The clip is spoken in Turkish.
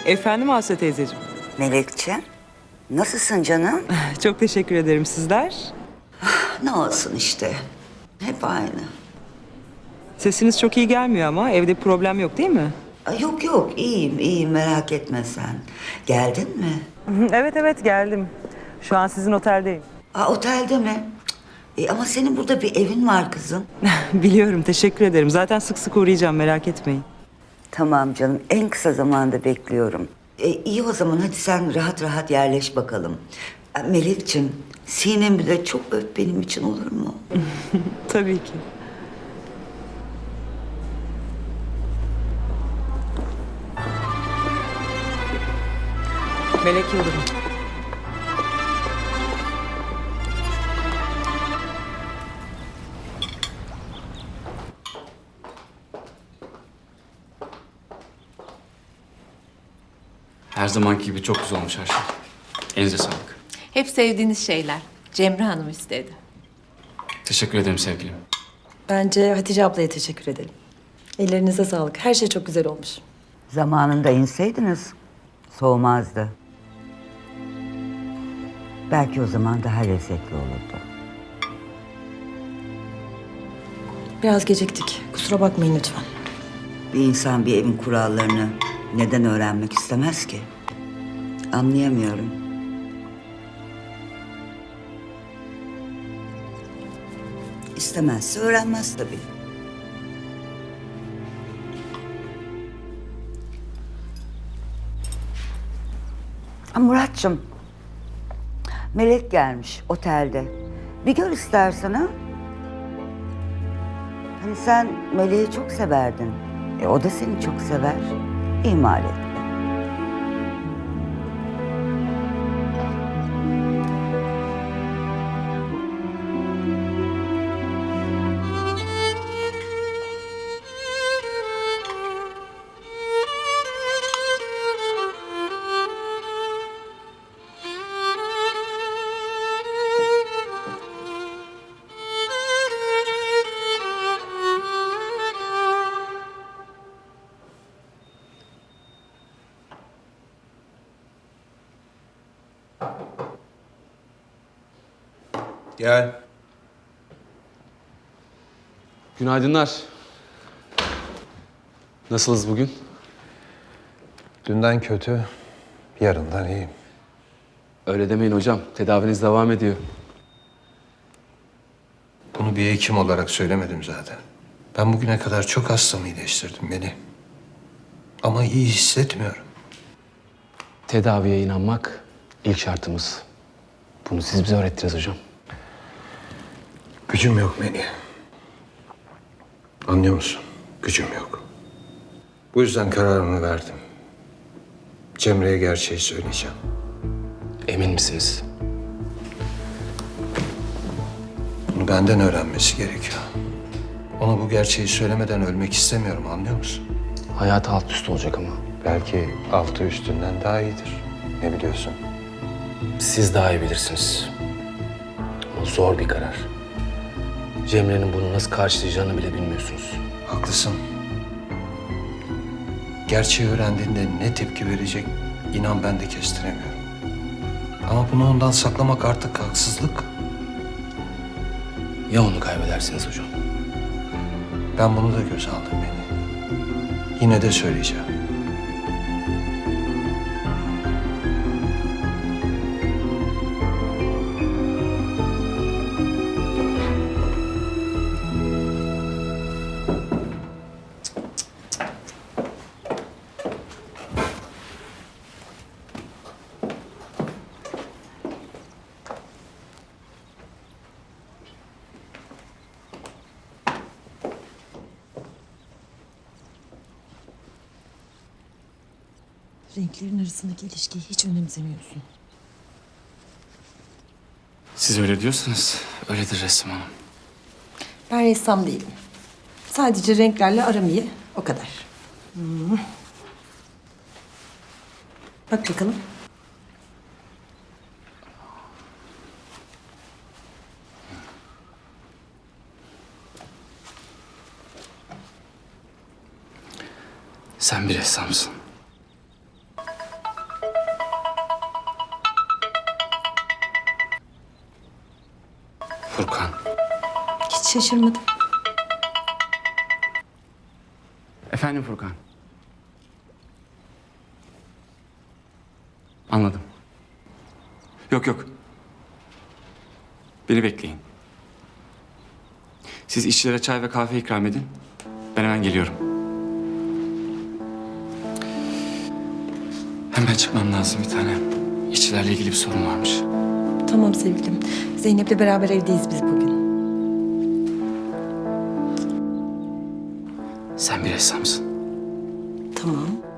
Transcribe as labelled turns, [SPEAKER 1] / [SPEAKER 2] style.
[SPEAKER 1] Efendim Aslı teyzeciğim.
[SPEAKER 2] Melekciğim, nasılsın canım?
[SPEAKER 1] Çok teşekkür ederim, sizler.
[SPEAKER 2] Ne olsun işte, hep aynı.
[SPEAKER 1] Sesiniz çok iyi gelmiyor ama evde bir problem yok değil mi?
[SPEAKER 2] Yok yok, iyiyim merak etme sen. Geldin mi?
[SPEAKER 1] Evet geldim. Şu an sizin oteldeyim.
[SPEAKER 2] Otelde mi? Ama senin burada bir evin var kızım.
[SPEAKER 1] Biliyorum, teşekkür ederim. Zaten sık sık uğrayacağım, merak etmeyin.
[SPEAKER 2] Tamam canım, en kısa zamanda bekliyorum. İyi o zaman, hadi sen rahat rahat yerleş bakalım. Melekciğim, Sinem'i de çok öp benim için, olur mu?
[SPEAKER 1] Tabii ki. Melek Yıldırım.
[SPEAKER 3] Her zamanki gibi çok güzel olmuş her şey. Elinize sağlık.
[SPEAKER 4] Hep sevdiğiniz şeyler. Cemre Hanım istedi.
[SPEAKER 3] Teşekkür ederim sevgilim.
[SPEAKER 5] Bence Hatice ablaya teşekkür edelim. Ellerinize sağlık. Her şey çok güzel olmuş.
[SPEAKER 2] Zamanında inseydiniz, soğumazdı. Belki o zaman daha lezzetli olurdu.
[SPEAKER 5] Biraz geciktik. Kusura bakmayın lütfen.
[SPEAKER 2] Bir insan bir evin kurallarını neden öğrenmek istemez ki? Anlayamıyorum. İstemezse öğrenmez tabii. Muratçım, Melek gelmiş otelde. Bir gör istersen ha. Hani sen Melek'i çok severdin. O da seni çok sever. İhmal etme.
[SPEAKER 6] Gel.
[SPEAKER 3] Günaydınlar. Nasılsınız bugün?
[SPEAKER 6] Dünden kötü, yarından iyiyim.
[SPEAKER 3] Öyle demeyin hocam. Tedaviniz devam ediyor.
[SPEAKER 6] Bunu bir hekim olarak söylemedim zaten. Ben bugüne kadar çok hastamı iyileştirdim beni. Ama iyi hissetmiyorum.
[SPEAKER 3] Tedaviye inanmak ilk şartımız. Bunu siz bize öğrettiniz hocam.
[SPEAKER 6] Gücüm yok Melih. Anlıyor musun? Gücüm yok. Bu yüzden kararımı verdim. Cemre'ye gerçeği söyleyeceğim.
[SPEAKER 3] Emin misiniz?
[SPEAKER 6] Bunu benden öğrenmesi gerekiyor. Ona bu gerçeği söylemeden ölmek istemiyorum, anlıyor musun?
[SPEAKER 3] Hayatı alt üst olacak ama.
[SPEAKER 6] Belki altı üstünden daha iyidir. Ne biliyorsun?
[SPEAKER 3] Siz daha iyi bilirsiniz. Ama zor bir karar. Cemre'nin bunu nasıl karşılayacağını bile bilmiyorsunuz.
[SPEAKER 6] Haklısın. Gerçeği öğrendiğinde ne tepki verecek inan ben de kestiremiyorum. Ama bunu ondan saklamak artık haksızlık.
[SPEAKER 3] Ya onu kaybedersiniz hocam?
[SPEAKER 6] Ben bunu da göze aldım beni. Yine de söyleyeceğim.
[SPEAKER 5] Renklerin arasındaki ilişkiyi hiç önemsemiyorsun.
[SPEAKER 3] Siz öyle diyorsanız öyledir Resim Hanım.
[SPEAKER 5] Ben ressam değilim. Sadece renklerle aram iyi, o kadar. Bak bakalım.
[SPEAKER 3] Sen bir ressamsın.
[SPEAKER 5] şaşırmadım.
[SPEAKER 7] Efendim Furkan. Anladım. Yok yok. Beni bekleyin. Siz işçilere çay ve kahve ikram edin. Ben hemen geliyorum. Hemen çıkmam lazım bir tane. İşçilerle ilgili bir sorun varmış.
[SPEAKER 5] Tamam sevgilim. Zeynep'le beraber evdeyiz biz bugün.
[SPEAKER 7] Sen bir ressamsın.
[SPEAKER 5] Tamam.